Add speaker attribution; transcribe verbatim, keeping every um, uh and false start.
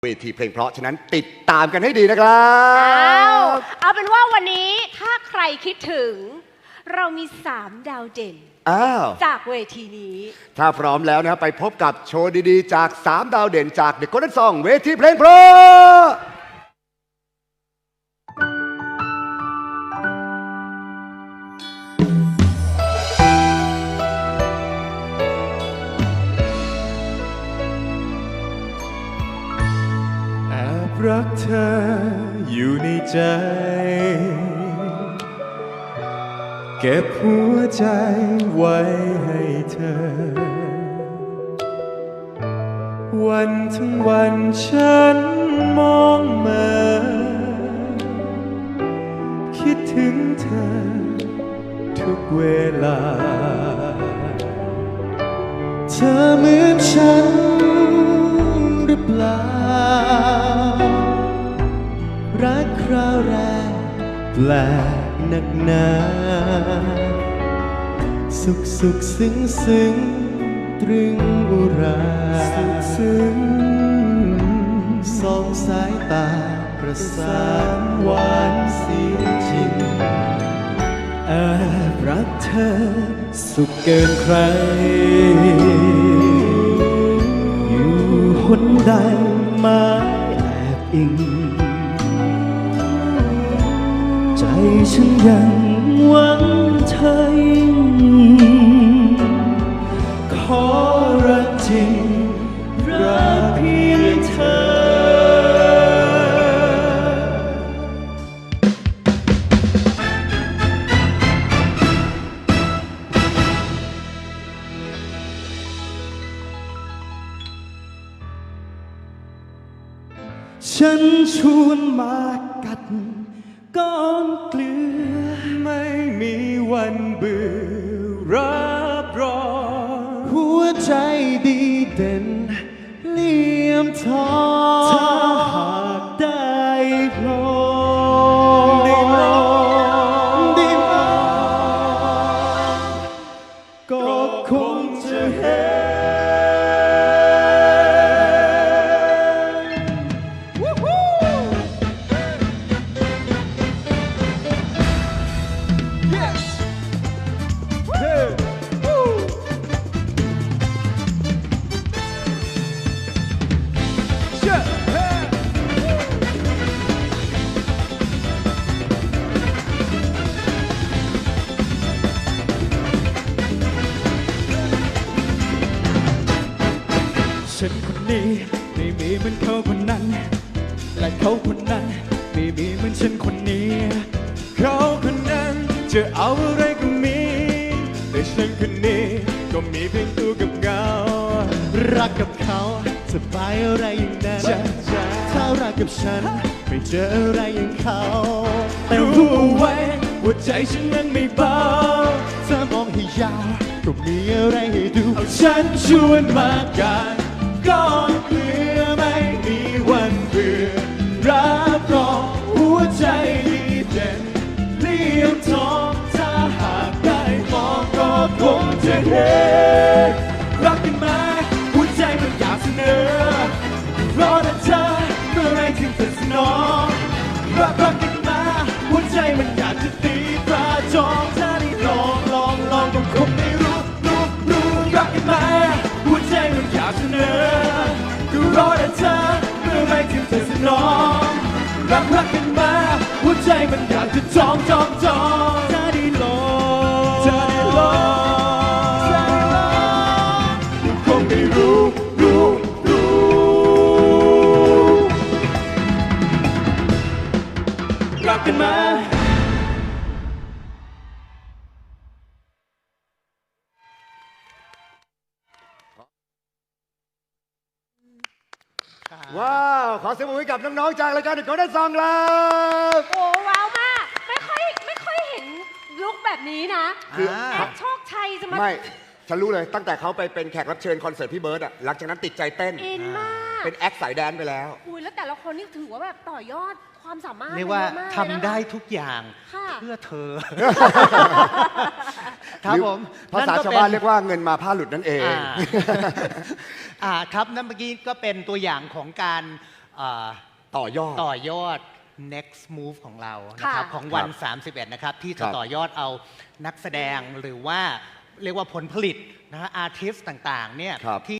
Speaker 1: เวทีเพลงเพราะฉะนั้นติดตามกันให้ดีนะครับ
Speaker 2: เอาเอาเป็นว่าวันนี้ถ้าใครคิดถึงเรามีสามดาวเด่นจากเวทีนี้
Speaker 1: ถ้าพร้อมแล้วนะครับไปพบกับโชว์ดีๆจากสามดาวเด่นจาก The Golden Song เวทีเพลงเพราะ
Speaker 3: รักเธออยู่ในใจเก็บหัวใจไว้ให้เธอวันทั้งวันฉันมองมาคิดถึงเธอทุกเวลาเธอเหมือนฉันหรือเปล่ารักคราวแรกแปลกหนักหนาสุขสุขซึ้งซึ้งตรึงอุราสุขซึ้งสองสายตาประสานหวานเสียงจริงแอบรักเธอสุขเกินใครอยู่หนใดมาแอบอิงใจฉันยังหวังเธอยิ่งขอรักจริงรักเพียงเธอฉันชวนมากัดก้อนเกลือไม่มีวันเบื่อรับรองหัวใจดีเด่นเลี่ยมทองถ้าหากได้ลองได้ลองได้ลองก็คงจะเห็นฉันคนนี้ไม่มีเหมือนเขาคนนั้นและเขาคนนั้นไม่มีเหมือนฉันคนนี้เขาคนนั้นจะเอาอะไรก็มีแต่ฉันคนนี้ก็มีเพียงตัวกับเงารักกับเขาสบายอะไรอย่างนั้นถ้ารักกับฉันไม่เจออะไรอย่างเขาแต่รู้ไว้ว่าใจฉันนั้นไม่เบาถ้ามองให้ยาวก็มีอะไรให้ดูเอาฉันชวนมากันก้อนเกลือไม่มีวันเบื่อรับรองหัวใจดีเด่นเลี่ยมทองถ้าหากได้มองก็คงจะเห็นรักกันไหมหัวใจมันอยากเสนอเพราะแต่เธอเมื่อไรถึงจะสนองรักรักกันมาหัวใจมันอยากจะตีตราจองถ้าได้ลองลองลองก็คงไม่รู้รู้รู้รักกันไหมหัวใจมันอยากเสนอก็รอแต่เธอเมื่อไรถึงจะสนองรักรักกันมาหัวใจมันอยากจะจองจองจองถ้าได้ลองถ้าได้ลองถ้าได้ลองก็คงไม่รู้รู้รู้รักกันมา
Speaker 1: ว้าวขอเสียงปรบมือให้กับน้องๆจากรายการ The Golden Song ครับ
Speaker 2: โอ้ว้าวมากไม่ค่อยไม่ค่อยเห็นลุคแบบนี้นะ
Speaker 1: คือ
Speaker 2: แอดโชคชัยจะมา
Speaker 1: ไม่ฉันรู้เลยตั้งแต่เขาไปเป็นแขกรับเชิญคอนเสิร์ตพี่เบิร์ดอะหลังจากนั้นติดใจเต้น
Speaker 2: อินมาก
Speaker 1: เป็นแอคสายแดนไปแล้ว
Speaker 2: อุ้ยแล้วแต่ละคนนี่ถือว่าแบบต่อยอดความสามารถ
Speaker 4: เรียกว่า
Speaker 2: เยอะมาก
Speaker 4: ทำได้ทุกอย่าง
Speaker 2: ค่ะ
Speaker 4: เพื่อเธอ ครับผม
Speaker 1: ภาษาชาวบ้านเรียกว่าเงินมาผ้าหลุดนั่นเอง
Speaker 4: อ่า อ่าครับนั่นเมื่อกี้ก็เป็นตัวอย่างของการอ่า
Speaker 1: ต่อยอด
Speaker 4: ต่อยอด next move ของเรานะครับ
Speaker 2: ค่ะ
Speaker 4: ของวัน
Speaker 1: ครับ
Speaker 4: สามสิบเอ็ดนะครับ ที่
Speaker 1: ค
Speaker 4: จะ
Speaker 1: รับ
Speaker 4: ต่อยอดเอานักแสดงหรือว่าเรียกว่าผลผลิตนะฮะอาร์ติสต์ต่างๆเนี่ย
Speaker 1: ครับ
Speaker 4: ที่